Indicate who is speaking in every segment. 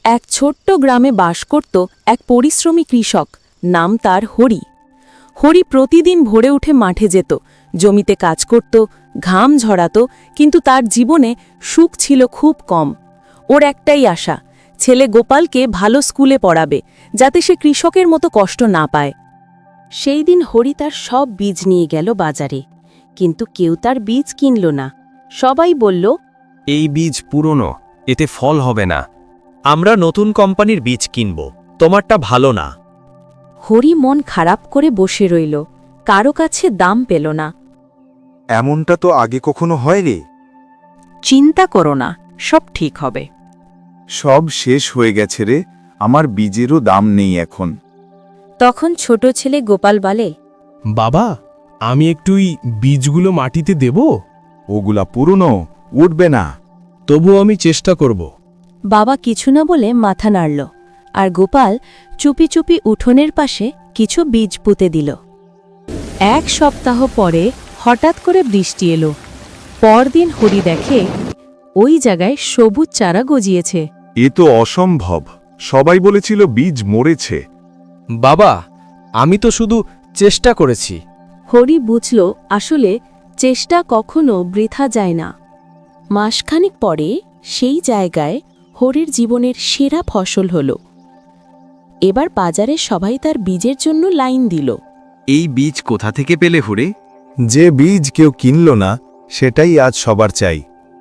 Speaker 1: এক ছোট্ট গ্রামে বাস করত এক পরিশ্রমী কৃষক, নাম তার হরি। হরি প্রতিদিন ভোরে উঠে মাঠে যেত, জমিতে কাজ করত, ঘাম ঝরাত, কিন্তু তার জীবনে সুখ ছিল খুব কম। ওর একটাই আশা, ছেলে গোপালকে ভালো স্কুলে পড়াবে, যাতে সে কৃষকের মতো কষ্ট না পায়। সেই দিন হরি তার সব বীজ নিয়ে গেল বাজারে, কিন্তু কেউ তার বীজ কিনল না। সবাই বলল,
Speaker 2: এই বীজ পুরনো, এতে ফল হবে না।
Speaker 3: আমরা নতুন কোম্পানির বীজ কিনব, তোমারটা ভালো না।
Speaker 1: হরি মন খারাপ করে বসে রইল, কারো কাছে দাম পেল না।
Speaker 4: এমনটা তো আগে কখনো হয়নি।
Speaker 1: চিন্তা করো না, সব ঠিক হবে।
Speaker 4: সব শেষ হয়ে গেছে রে, আমার বীজেরও দাম নেই এখন।
Speaker 1: তখন ছোট ছেলে গোপাল বলে,
Speaker 5: বাবা, আমি একটুই বীজগুলো মাটিতে দেব?
Speaker 4: ওগুলা পুরনো, উঠবে না।
Speaker 5: তবু আমি চেষ্টা করব।
Speaker 1: বাবা কিছু না বলে মাথা নাড়ল, আর গোপাল চুপি চুপি উঠোনের পাশে কিছু বীজ পুঁতে দিল। এক সপ্তাহ পরে হঠাৎ করে বৃষ্টি এলো। পরদিন হরি দেখে ওই জায়গায় সবুজ চারা গজিয়েছে।
Speaker 4: এ তো অসম্ভব, সবাই বলেছিল বীজ মরেছে।
Speaker 2: বাবা, আমি তো শুধু চেষ্টা করেছি।
Speaker 1: হরি বুঝল আসলে চেষ্টা কখনো বৃথা যায় না। মাসখানেক পরে সেই জায়গায় হরির জীবনের সেরা ফসল হল। এবার বাজারে সবাই তার বীজের জন্য লাইন দিল।
Speaker 2: এই বীজ কোথা থেকে পেলে হুরে?
Speaker 4: যে বীজ কেউ কিনল না, সেটাই আজ সবার চাই।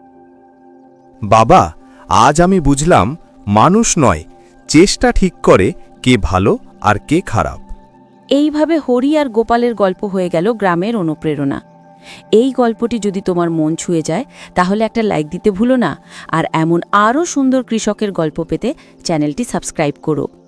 Speaker 6: বাবা, আজ আমি বুঝলাম মানুষ নয়, চেষ্টা ঠিক করে কে ভালো আর কে খারাপ।
Speaker 1: এইভাবে হরি আর গোপালের গল্প হয়ে গেল গ্রামের অনুপ্রেরণা। এই গল্পটি যদি তোমার মন ছুঁয়ে যায়, তাহলে একটা লাইক দিতে ভুলো না। আর এমন আরও সুন্দর কৃষকের গল্প পেতে চ্যানেলটি সাবস্ক্রাইব করো।